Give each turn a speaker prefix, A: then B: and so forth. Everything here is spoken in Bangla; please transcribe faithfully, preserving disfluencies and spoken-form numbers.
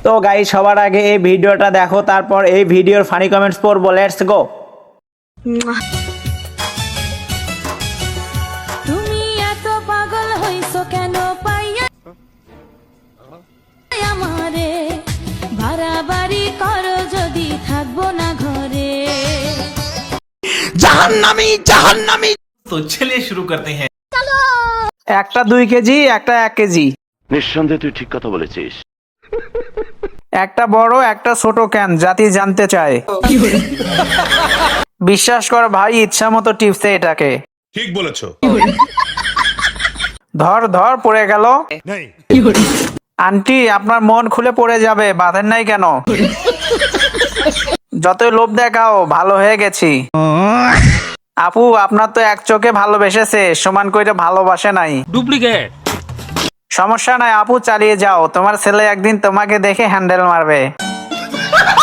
A: তো গাইস সবার আগে এই ভিডিওটা দেখো, তারপর এই ভিডিওর ফানি কমেন্টস পড়বো। Let's go.
B: তুমি এত পাগল হইছো কেন পাইয়া আমারে, বাড়াবাড়ি করো যদি থাকবো না ঘরে।
C: জাহান্নামী জাহান্নামী।
D: तो चलिए शुरू करते हैं।
A: একটা দুই কেজি, একটা এক কেজি।
E: নিঃসন্দেহে তুই ঠিক কথা বলেছিস।
A: একটা বড় একটা ছোট ক্যান, জাতি জানতে চায়। বিশ্বাস কর ভাই, ইচ্ছা মতো টিপসে এটাকে।
C: ঠিক বলেছো।
A: ধর ধর পড়ে গেল। আন্টি আপনার মন খুলে পড়ে যাবে, বাঁধেন নাই কেন? যতই লোভ দেখাও, ভালো হয়ে গেছি। আপু আপনার তো এক চোখে ভালোবেসেছে, সমান করে ভালোবাসে নাই।
D: डुप्लीकेट।
A: সমস্যা নাই আপু, চালিয়ে যাও, তোমার ছেলে একদিন তোমাকে দেখে হ্যান্ডেল মারবে।